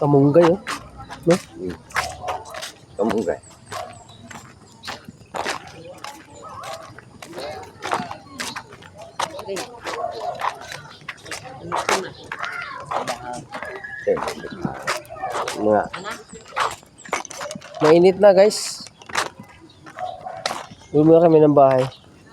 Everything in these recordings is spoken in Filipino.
Kamunggay, oh. No? Kamunggay. Mga Mainit na, guys. Uwi muna kami ng bahay.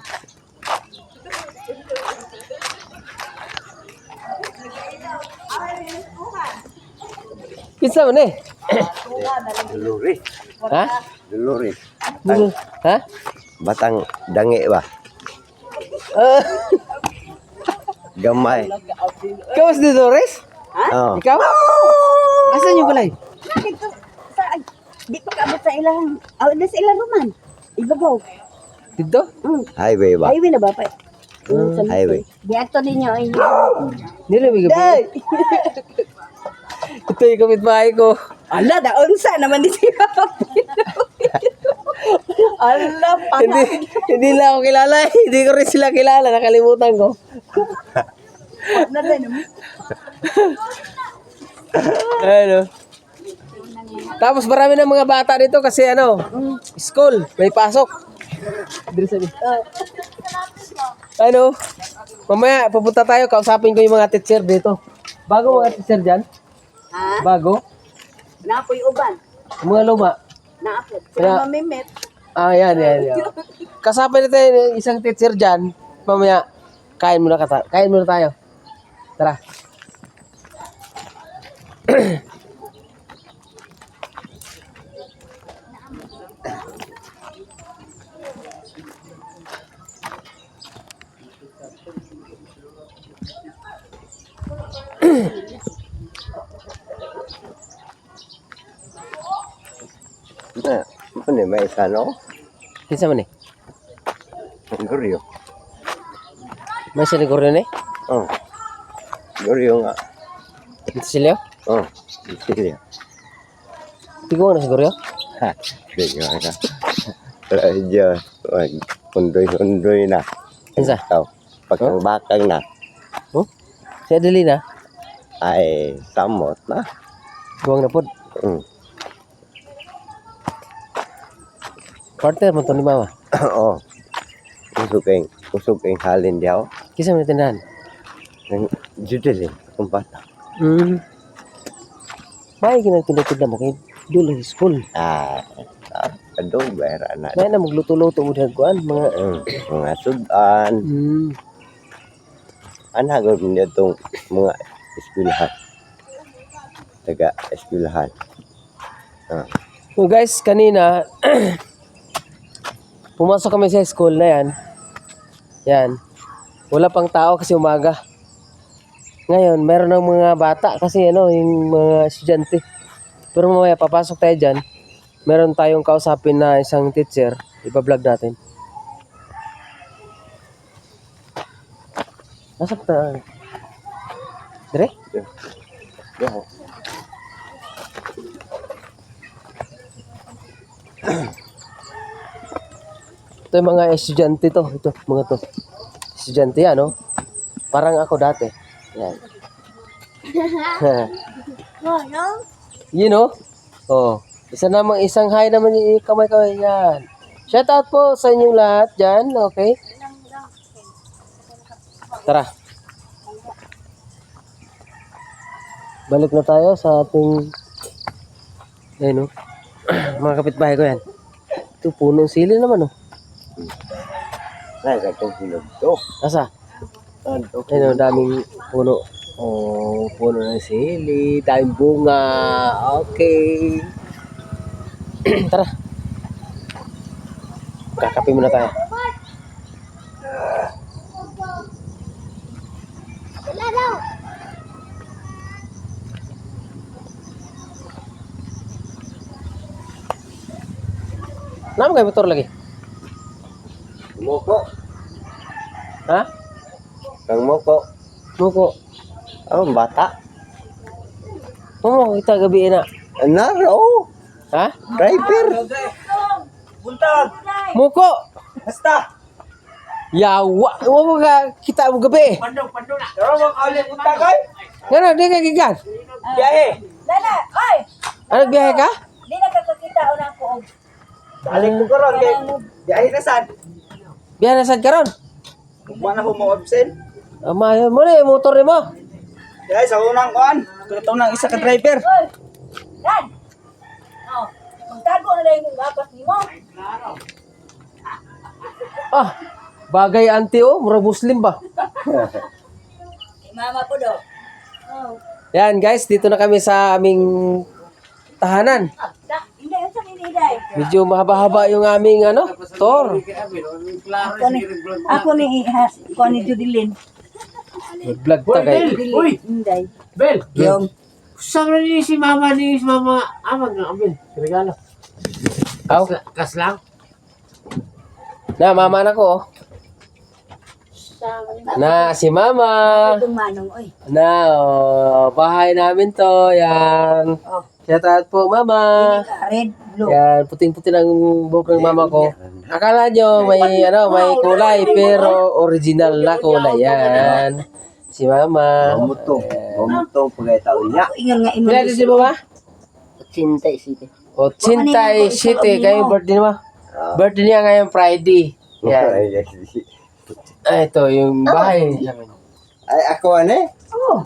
Pizza mo na eh. Duluri. Ha? Duluri. Ha? Batang dange ba? Ah, Gamay. ikaw si Dolores? Oh. Ikaw? Asan yung balay? Dito sa di pa kaabot sa ilang sa ilang ruman. Ibabaw. Dito? Highway ba? Highway na ba pa? Highway. Di ato ninyo ay Nilamig ka po. Ito yung kapitbahay ko. ala da unsa naman di siya. Ala Hindi, hindi lang ako kilala. Hindi ko rin sila kilala. Nakalimutan ko. na din mo. Ano? Tapos marami ng mga bata dito kasi ano, school, may pasok. Dito sabi. Ano? Mamaya pupunta tayo, kausapin ko yung mga teacher dito. Bago mga teacher dyan? Ha? Bago? Naapoy uban. Yung mga luma. Naapod. Kaya- Sila mamimit. Ah, yan. Kasapin natin yung isang teacher dyan. Mamaya, kain muna tayo. Tara. Ano may isa no? Kinsa man eh? Guryo. May siliguro na eh? Oh. Guryo nga. Dito sila? Oh. Sige. Tigo na siguro yun? Ha. Sige nga. Radyo. Pundoy na. Kinsa? Ikaw. Bakang na. Oh? Siya dili na? Ay samot na. Buwang na po. Partner mo to ni mama. Oo. Usog kayong halin diyaw. Kisa mo na tindahan? Nang judel eh. Kung bata. May kinagtinda mo kay dulo sa school. Kadong bayra na. Kaya na magluto-luto mo dyan kuhan. Mga sudan. Anagod niya itong mga eskwelahan. Taga eskwelahan. So guys, kanina, pumasok kami sa school na yan. Yan. Wala pang tao kasi umaga. Ngayon, meron ng mga bata kasi yung mga estudyante. Pero mamaya, papasok tayo dyan. Meron tayong kausapin na isang teacher. Ipa-vlog natin. Nasaan ta? Dire? Yeah. Ito yung mga estudyante to. Ito, mga to. Estudyante yan, no? Parang ako dati. Yan. You know? Oh. Isang hi naman yung kamay-kamay yan. Shout out po sa inyong lahat dyan. Okay? Tara. Balik na tayo sa ating ayun, no? Mga kapitbahay ko yan. Ito, punong sili naman, no? Nagatong silog to. Asa? Ayun, daming puno. Oh, puno ng sili, daming bunga. Okay. Tara. Kakape muna tayo. Nama kayo motor lagi? Moko. Ha? Kang moko. Muko. Ang bata. Oo, kita gabi na. Naro. Ha? Driver. Muko. Basta. Yawa. Huwag ka kita mo gabi. Pandong na. Pero mo kaulit punta kay? Ngano, di ka gigan. Biyahe. Dala, oy! Ano, biyahe ka? Di na kakakita o na ko. Alik ko karon kay di ay nasan. Biyahe na sad karon. Kuha na ko mo absent. Amayo mo na yung motor ni mo. Dai sa unang kuan. Tuto nang isa ka driver. Oy! Dan! Oh, magtago na lang yung gapas ni mo. Ah, bagay auntie oh, mura Muslim ba? Mama po do. Oh. Yan guys, dito na kami sa aming tahanan. Hindi, yun sa niniday. Medyo mahaba-haba yung aming tour. Ako ni Judilyn. Vlog ta kay. Uy! Inday. Bel! Yung. Saan na ni si mama amag ng abil? Regalo. Aw, Kas lang? na mama na ko. Oh. Na si mama. Itong manong, oy. Na bahay namin to. Yan. Oh. Shout out po mama. Red, blue. Yan, puting-puti ng buhok ng mama ko. Akala nyo may may kulay pero original na kulay yan. Si mama. Gumutong. Gumutong pagay taon niya. Ingon nga, Kailan din si mama? Cintay City. O, Cintay City. Kayo birthday mo? Birthday niya ngayong Friday. Yan. Ah, ito yung bahay. Ay ako ane. Oh,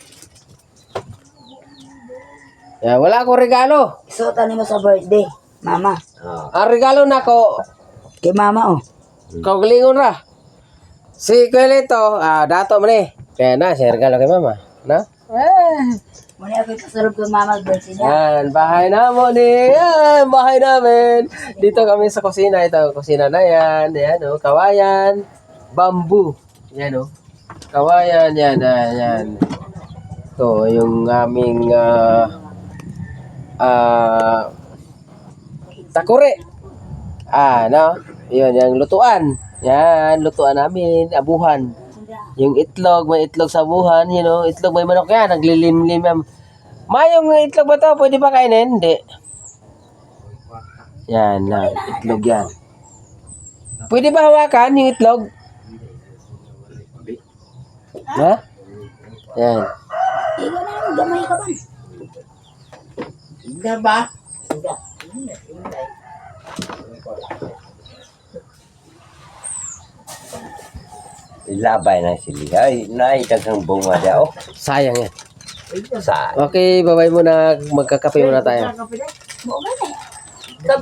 Yan, wala akong regalo. isuotan mo sa birthday. Mama. Ang regalo na ko, Kay mama, oh. kaugalingon ra. Si Kuelito, dato mo ni. Kaya na, siya regalo kay mama. Na? Muna ako kasalog kay mama birthday niya. Yan, bahay na mo ni. Yan, bahay namin. Dito kami sa kusina. Ito, kusina na yan. Yan, oh, kawayan. Bamboo. Yan, oh. Kawayan, yan, yan. Ito, yung aming takure. No? Yun, yung lutuan. Yan, lutuan namin. Abuhan. Yung itlog, may itlog sa abuhan. You know, itlog may manok yan. Naglilim-lim yan. Yung itlog ba to? Pwede ba kainin? Hindi. Yan, na. Itlog yan. Pwede ba hawakan yung itlog? Ha? Yan. Igo na lang, gamay ka ba? Hindi ba? Ilabay na sila. Ay, naitagang bunga daw. Sayang yan. Sa Okay, bye-bye muna. Magkakape muna tayo. Mo gani.